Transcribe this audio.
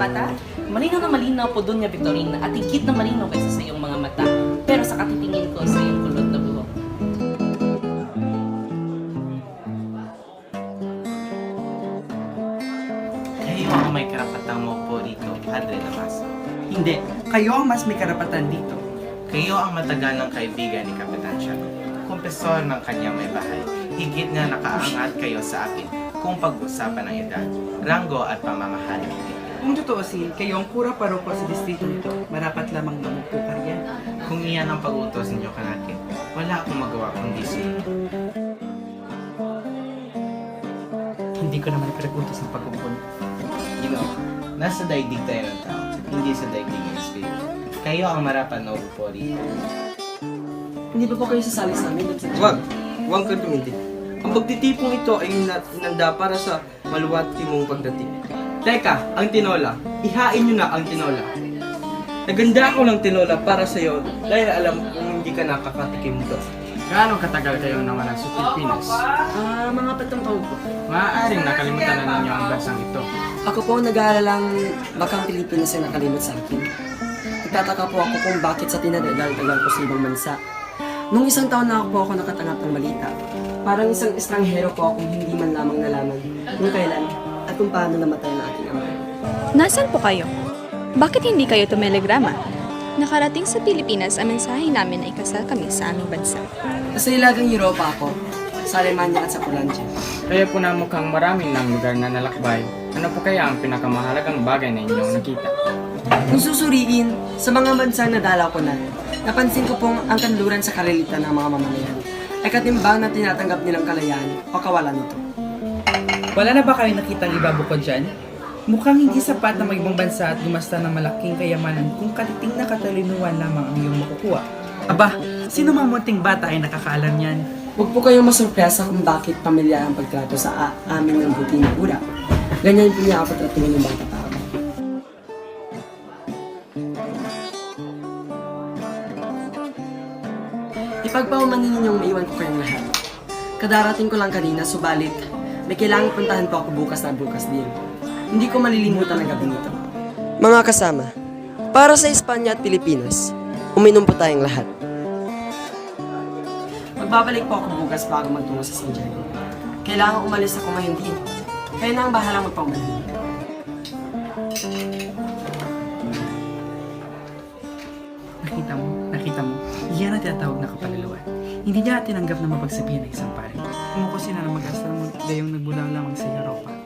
mata? Malinaw po doon nga, Victorina, at higit na malinaw kaysa sa iyong mga mata. Pero sa katitingin ko sa iyong kulot na buhok. Kayo ang may karapatang maupo dito, Padre Damaso. Hindi, kayo ang mas may karapatan dito. Kayo ang matagal ng kaibigan ni Kapitan Tiago. Kumpesor ng kanyang may bahay. Higit nga nakaangat kayo sa akin kung pag-usapan ng edad, ranggo at pamamahali. Kung tutuusin, kayo ang kura paroko sa distrito nito, marapat lamang mamupo ka riyan. Kung iyan ang pag-utos ninyo kanakin, wala akong magawa kundi sumunod. Hindi ko naman pinag-utos ng pag-umpon. Nasa daigdig tayo ng tao, hindi sa daigdig ng espiritu. Kayo ang marapat na upo rito. Hindi ba po kayo sasali sa amin? Huwag ka tumindig. Ang pagtitipong ito ay inanda para sa maluwati mong pagdating. Teka, ang tinola. Ihain nyo na ang tinola. Naganda ako ng tinola para sa'yo dahil alam kong hindi ka nakakatikim doon. Gaano katagal kayo nawala sa Pilipinas? Mga 7 taon po. Maaaring nakalimutan na ninyo ang bansang ito. Ako po nag-aalalang baka ang Pilipinas ay nakalimot sa akin. Nagtataka po ako kung bakit sa tinadal-tagal ko sa ibang bansa. Nung 1 taon na ako nakatanggap ng balita. Parang isang estranghero po akong hindi man lamang nalaman kung kailan at kung paano namatay ang aking ama. Nasaan po kayo? Bakit hindi kayo tumelegrama? Nakarating sa Pilipinas ang mensahe namin na ikasal kami sa aming bansa. Sa ilagang Europa ako, sa Alemanya at sa Polandia. Kaya po na mukhang marami ng lugar na nalakbay. Ano po kaya ang pinakamahalagang bagay na inyong nakita? Kung susuriin, sa mga bansang nadalaw ko na, napansin ko pong ang kanluran sa karilitan ng mga mamamayan ay katimbang na tinatanggap nilang kalayaan o kawalan nito. Wala na ba kayo nakitang iba bukod dyan? Mukhang hindi sapat na mag-ibang bansa at gumasta ng malaking kayamanan kung katiting na katalinuhan lamang ang iyong makukuha. Aba, sino mang munting bata ay nakakaalam yan? Huwag po kayong masurpresa kung bakit pamilyar ang pagtrato sa amin ng buti na ura. Ganyan po niya ako tratuhin ng bata tao. Ipagpaumanin ninyong maiwan ko kayong lahat. Kadarating ko lang kanina, subalit may kailangang puntahan po ako bukas din. Hindi ko malilimutan ang gabi nito. Mga kasama, para sa Espanya at Pilipinas, uminom po tayong lahat. Magbabalik po ako bukas bago magtungo sa Santiago. Kailangan umalis ako ngayon din. Kaya na ang bahalang magpaumanin. Nakita mo, iyan ang tinatawag na kapaluluan. Hindi niya tinanggap na mapagsabihan ng isang pare. Kumukusin na ng mag-asta mo gayong nagbulang lamang sa Europa.